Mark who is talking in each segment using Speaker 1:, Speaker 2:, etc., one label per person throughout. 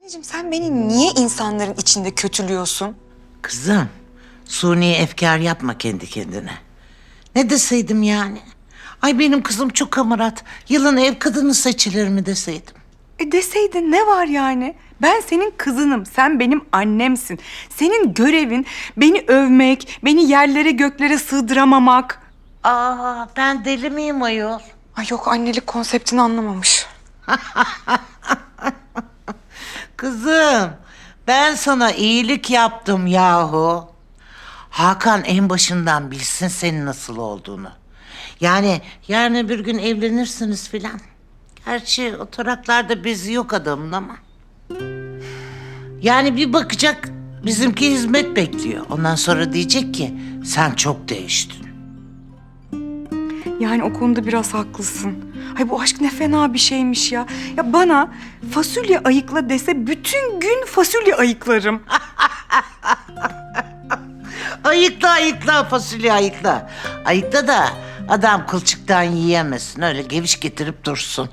Speaker 1: Anneciğim sen beni niye insanların içinde kötülüyorsun?
Speaker 2: Kızım, suni efkar yapma kendi kendine. Ne deseydim yani? Ay benim kızım çok hamarat. Yılın ev kadını seçilir mi deseydim?
Speaker 1: Deseydin ne var yani? Ben senin kızınım, sen benim annemsin. Senin görevin beni övmek, beni yerlere göklere sığdıramamak.
Speaker 2: Ben deli miyim ayol?
Speaker 1: Ay yok, annelik konseptini anlamamış.
Speaker 2: Kızım, ben sana iyilik yaptım yahu. Hakan en başından bilsin senin nasıl olduğunu. Yani yarın bir gün evlenirsiniz filan. Gerçi o taraklarda bezi yok adamın ama. Yani bir bakacak bizimki hizmet bekliyor. Ondan sonra diyecek ki sen çok değiştin.
Speaker 1: Yani o konuda biraz haklısın. Ay bu aşk ne fena bir şeymiş ya. Ya bana fasulye ayıkla dese bütün gün fasulye ayıklarım.
Speaker 2: Ayıkla ayıkla fasulye ayıkla. Ayıkla da adam kılçıktan yiyemesin. Öyle geviş getirip dursun.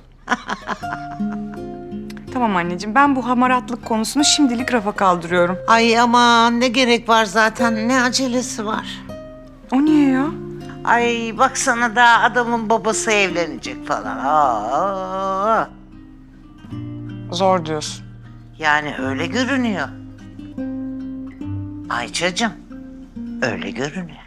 Speaker 1: Tamam anneciğim, ben bu hamaratlık konusunu şimdilik rafa kaldırıyorum.
Speaker 2: Ay aman ne gerek var zaten, ne acelesi var.
Speaker 1: O niye ya?
Speaker 2: Ay baksana da adamın babası evlenecek falan.
Speaker 1: Zor diyorsun.
Speaker 2: Yani öyle görünüyor. Ayça'cığım öyle görünüyor.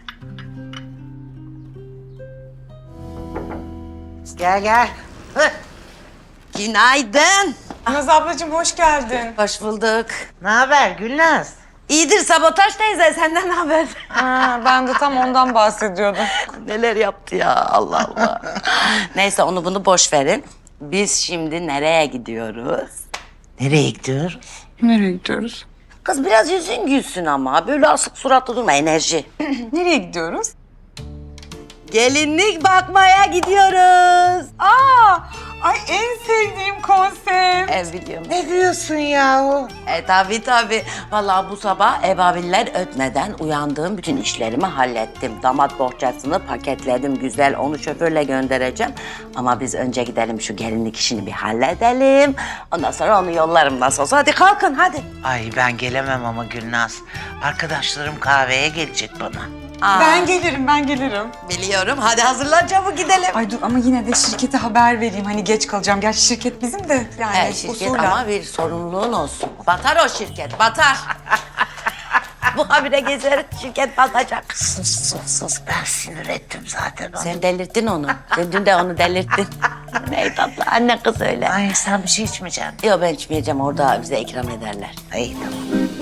Speaker 2: Gel gel. Hıh.
Speaker 3: Günaydın.
Speaker 1: Naz ablacığım hoş geldin.
Speaker 3: Hoş bulduk.
Speaker 2: Ne haber Gülnaz?
Speaker 3: İyidir Sabotaj teyze, senden ne haber?
Speaker 1: Ben de tam ondan bahsediyordum.
Speaker 3: Neler yaptı ya, Allah Allah. Neyse onu bunu boş verin. Biz şimdi nereye gidiyoruz?
Speaker 2: Nereye gidiyoruz?
Speaker 1: Nereye gidiyoruz?
Speaker 3: Kız biraz yüzün gülsün ama. Böyle asık suratlı durma, enerji.
Speaker 1: Nereye gidiyoruz?
Speaker 3: Gelinlik bakmaya gidiyoruz.
Speaker 1: Ay en sevdiğim konsept.
Speaker 3: Biliyorum.
Speaker 2: Ne diyorsun yahu?
Speaker 3: Tabii. Vallahi bu sabah ebaviller ötmeden uyandığım bütün işlerimi hallettim. Damat bohçasını paketledim güzel, onu şoförle göndereceğim. Ama biz önce gidelim şu gelinlik işini bir halledelim. Ondan sonra onu yollarım nasıl olsa. Hadi kalkın hadi.
Speaker 2: Ay ben gelemem ama Gülnaz. Arkadaşlarım kahveye gelecek bana.
Speaker 1: Ben gelirim.
Speaker 3: Biliyorum. Hadi hazırlan çabuk gidelim.
Speaker 1: Ay dur ama yine de şirkete haber vereyim. Hani geç kalacağım. Gerçi şirket bizim de yani
Speaker 3: Şirket
Speaker 1: usulen.
Speaker 3: ama bir sorumluluğun olsun. Batar o şirket, batar. Bu habire gezer, şirket batacak.
Speaker 2: Sus ben sinir ettim zaten onu.
Speaker 3: Sen delirttin onu. Sen dün de onu delirttin. Ne tatlı anne kız öyle.
Speaker 2: Ay sen bir şey içmeyeceksin.
Speaker 3: Yok ben içmeyeceğim, orada bize ikram ederler.
Speaker 2: Ay tamam.